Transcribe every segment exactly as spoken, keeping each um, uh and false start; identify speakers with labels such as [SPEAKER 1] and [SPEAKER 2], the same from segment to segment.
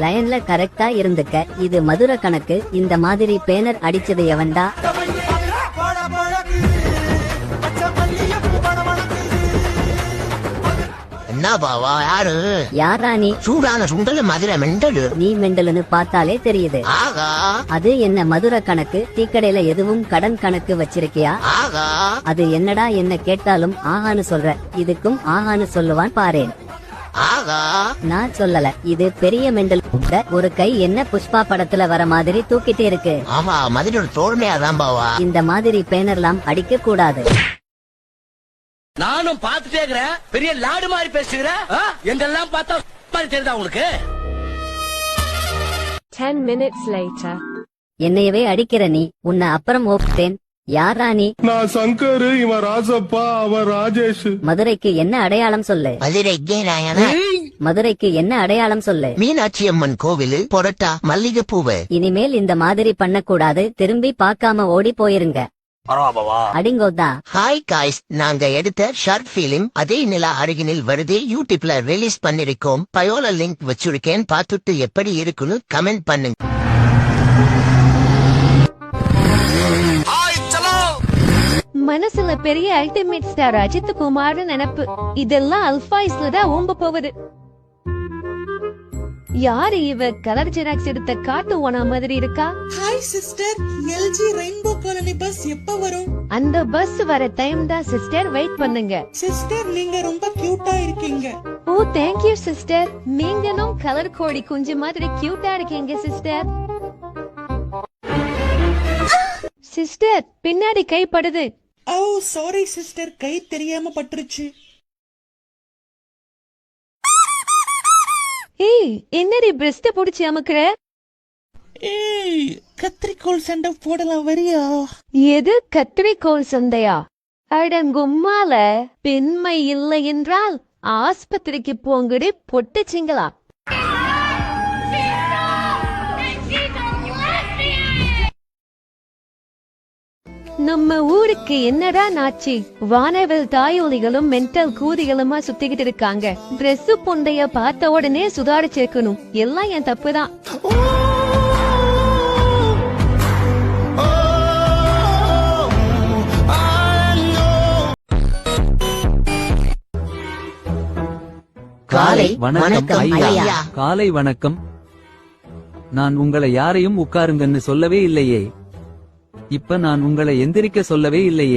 [SPEAKER 1] லைன்ல கரெக்டா இருந்துக்க. இது மதுரை கணக்கு. இந்த மாதிரி பேனர் அடிச்சது எவன்டா?
[SPEAKER 2] என்ன பாவா யாரு?
[SPEAKER 1] யாரா நீ?
[SPEAKER 2] சூடான சுண்டல் மதுரை மெண்டலு.
[SPEAKER 1] நீ மெண்டலுன்னு பார்த்தாலே தெரியுது.
[SPEAKER 2] ஆகா
[SPEAKER 1] அது என்ன மதுரை கணக்கு? டீக்கடையில எதுவும் கடன் கணக்கு வச்சிருக்கியா?
[SPEAKER 2] ஆகா
[SPEAKER 1] அது என்னடா என்ன கேட்டாலும் ஆகான்னு சொல்ற. இதுக்கும் ஆகான்னு சொல்லுவான் பாரேன்.
[SPEAKER 2] ஆகா
[SPEAKER 1] நான் சொல்லல, இது பெரிய மெண்டல். ஒரு கை என்ன புஷ்பா படத்துல வர மாதிரி தூக்கிட்டே இருக்கு.
[SPEAKER 2] ஆமா மதுரை தோல்மையாதான் பாவா.
[SPEAKER 1] இந்த மாதிரி பேனர்லாம் அடிக்க கூடாது.
[SPEAKER 3] நானும் பாத்துட்டே இருக்கிறேன். பெரிய லாடு மாதிரி பேசுகிறேன். எங்கெல்லாம் பார்த்தா மாதிரி தெரியுதா உங்களுக்கு?
[SPEAKER 4] Ten minutes later.
[SPEAKER 1] என்னையவே அடிக்கிற நீ. உன்னை அப்புறம் ஓப்டேன். யாரா நீ?
[SPEAKER 5] நான் சங்கர், இவன் ராசப்பா, அவன் ராஜேஷ்.
[SPEAKER 1] மதுரைக்கு என்ன அடையாளம் சொல்லு?
[SPEAKER 2] மதுரை நாயனா.
[SPEAKER 1] மதுரைக்கு என்ன அடையாளம் சொல்லு?
[SPEAKER 2] மீனாட்சி அம்மன் கோவில், பொரட்டா, மல்லிகை பூவு.
[SPEAKER 1] இனிமேல் இந்த மாதிரி பண்ணக்கூடாது. திரும்பி பார்க்காம ஓடி போயிருங்க. அடிங்கோதா.
[SPEAKER 2] ஹாய் காய்ஸ், நாங்க எடுத்த ஷார்ட் பிலிம் அதே நிலா அருகினில் வருது யூடியூப்ல ரிலீஸ் பண்ணிருக்கோம். பயோல லிங்க் வச்சிருக்கேன், பார்த்துட்டு எப்படி இருக்குன்னு கமெண்ட் பண்ணுங்க.
[SPEAKER 4] மனசுல பெரிய அல்டிமேட் ஸ்டார் அஜித் குமார் நினைப்பு. இதெல்லாம் அல்பாய்ஸ்ல தான் ஓம்ப போகுது. யாரு இவ? கலர் ஜெராக்ஸ் எடுத்த காட்டு ஓனா மாதிரி இருக்கா.
[SPEAKER 6] Hi sister, L G rainbow colony bus எப்ப வரும்?
[SPEAKER 4] அந்த பஸ் வர டைம் தான் சிஸ்டர், வெயிட் பண்ணுங்க.
[SPEAKER 6] சிஸ்டர் நீங்க ரொம்ப கியூட்டா இருக்கீங்க.
[SPEAKER 4] Oh thank you sister. நீங்களும் கலர் கோடி குஞ்சு மாதிரி கியூட்டா இருக்கீங்க சிஸ்டர். சிஸ்டர் பின்னாடி கை படுது.
[SPEAKER 6] ஓ சாரி சிஸ்டர், கை தெரியாம பட்டுருச்சு.
[SPEAKER 4] ஏய் என்னடி பிரஸ்ட் புடிச்சு அமுக்குற?
[SPEAKER 6] ஏய் கத்திரிக்கோல் சண்டை போடலாம் வரியா?
[SPEAKER 4] எது கத்திரிக்கோல் சண்டையா? அடங்கும்மால பெண்மை இல்லை என்றால் ஆஸ்பத்திரிக்கு போங்கடி பொட்டுச்சிங்களா. நம்ம ஊருக்கு என்னடா நாச்சி? வானவில் தாயொலிகளும் மென்டல் கூதிகளுமா சுத்திக்கிட்டு இருக்காங்க. டிரெஸ் பொண்டைய பார்த்த உடனே சுதாரிச்சிருக்கணும். எல்லாம் என் தப்புதான்.
[SPEAKER 2] காலை
[SPEAKER 7] வணக்கம் ஐயா. காலை வணக்கம். நான் உங்களை யாரையும் உட்காருங்கன்னு சொல்லவே இல்லையே. இப்ப நான் உங்களை எந்திரிக்க சொல்லவே இல்லையே.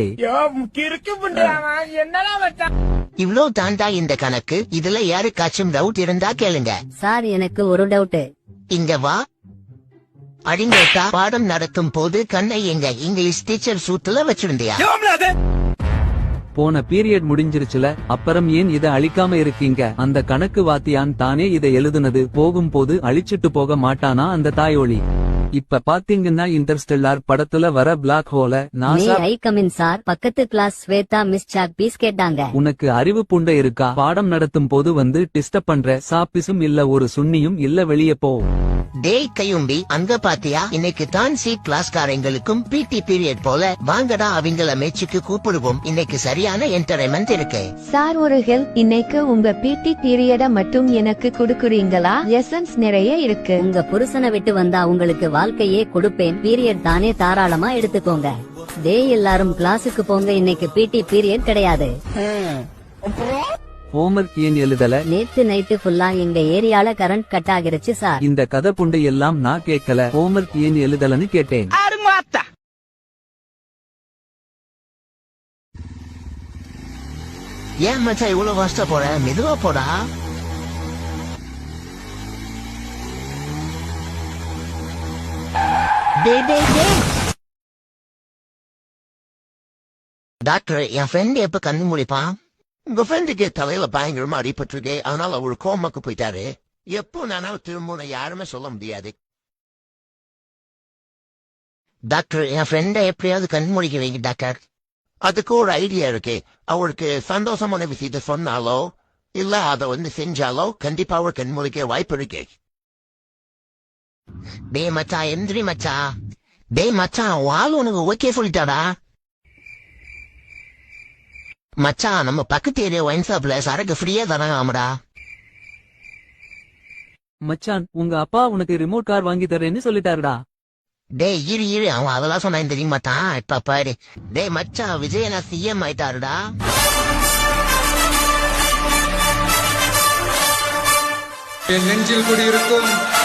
[SPEAKER 2] இவ்ளோ தாண்டா இந்த கணக்கு. இதுல யாருக்காச்சும் டவுட் இருந்தா கேளுங்க.
[SPEAKER 1] சார் எனக்கு ஒரு டவுட்.
[SPEAKER 2] இங்க வா. அடிங்கோட்டா, பாடம் நடத்தும் போது கண்ணை எங்க இங்கிலீஷ் டீச்சர் சூத்துல வச்சிருந்தியா?
[SPEAKER 7] போன பீரியட் முடிஞ்சிருச்சுல, அப்புறம் ஏன் இத அழிக்காம இருக்கீங்க? அந்த கணக்கு வாத்தியான் தானே இதை எழுதுனது. போகும்போது அழிச்சிட்டு போக மாட்டானா அந்த தாயோளி? இப்ப பாத்தீங்கன்னா இன்டர்ஸ்டெல்லார் படத்துல வர பிளாக் ஹோல நாசா.
[SPEAKER 1] I coming sir. பக்கத்து class Shweta miss chalk piece கேட்டாங்க.
[SPEAKER 7] உனக்கு அறிவு புண்டை இருக்கா? பாடம் நடத்தும் போது வந்து டிஸ்டர்ப் பண்ற. சாப்பிசும் இல்ல, ஒரு சுன்னியும் இல்ல, வெளியே போ.
[SPEAKER 2] டேய் கையும்பி, அங்க பாத்தியா? இன்னைக்கு தான் சி கிளாஸ்காரங்களுக்கும் பிடி பீரியட் போல. வாங்கடா அவங்கள மேட்சுக்கு கூப்பிடுவோம். இன்னைக்கு சரியான என்டர்டைன்மெண்ட் இருக்கு.
[SPEAKER 4] சார் ஒரு ஹெல்ப், இன்னைக்கு உங்க பிடி பீரியட மட்டும் எனக்கு கொடுக்குறீங்களா? லெசன்ஸ் நிறைய இருக்கு.
[SPEAKER 1] உங்க புருஷனை விட்டு வந்தா உங்களுக்கு வாழ்க்கையே கொடுப்பேன். பீரியட் தானே, தாராளமா எடுத்துக்கோங்க. டேய் எல்லாரும் கிளாஸுக்கு போங்க, இன்னைக்கு பிடி பீரியட் கிடையாது.
[SPEAKER 7] ஹோம்வொர்க் ஏன் எழுதல?
[SPEAKER 1] நேத்து நைட்டு ஃபுல்லா எங்க ஏரியால கரண்ட் கட் ஆகிருச்சு சார்.
[SPEAKER 7] இந்த கதை புண்டை எல்லாம் நான் கேட்கல. ஹோம்வொர்க் ஏன் எழுதலன்னு கேட்டேன்.
[SPEAKER 2] ஏன் மச்சா இவ்வளவு கஷ்ட போற? மெதுவா போடா. டாக்டர், என் ஃப்ரெண்ட் எப்ப கண்ணு முடிப்பான்? உங்க ஃப்ரெண்டுக்கு தலையில பயங்கரமா அடிபட்டிருக்கு. அதனால அவரு கோமாக்கு போயிட்டாரு. எப்போ நானும் திரும்ப யாருமே சொல்ல முடியாது. டாக்டர், என் ஃப்ரெண்ட எப்படியாவது கண் முடிக்க வைங்க டாக்டர். அதுக்கு ஒரு ஐடியா இருக்கு. அவருக்கு சந்தோஷமான விஷயத்தை சொன்னாலோ இல்ல அதை வந்து செஞ்சாலோ கண்டிப்பா அவர் கண் முடிக்க வாய்ப்பு இருக்கு. டே மச்சா, எந்திரி மச்சா. டே மச்சா, வாழ் உனக்கு ஓகே சொல்லிட்டாடா. மச்சான், நம்ம பக்கத்து ஏரியா ஒயின் ஷாப்ல சரக்கு ஃப்ரீயா தராங்க. ஆமாடா.
[SPEAKER 7] மச்சான் உங்க அப்பா உனக்கு ரிமோட் கார் வாங்கி தரேன்னு சொல்லிட்டாருடா.
[SPEAKER 2] டேய் இரு இரு அவன் அதெல்லாம் சொன்னான் தெரிய மாட்டான் இப்ப பாரு. டேய் மச்சான் விஜயனா சிஎம் ஆயிட்டாருடா.
[SPEAKER 8] என் நெஞ்சில் குடியிருக்கும்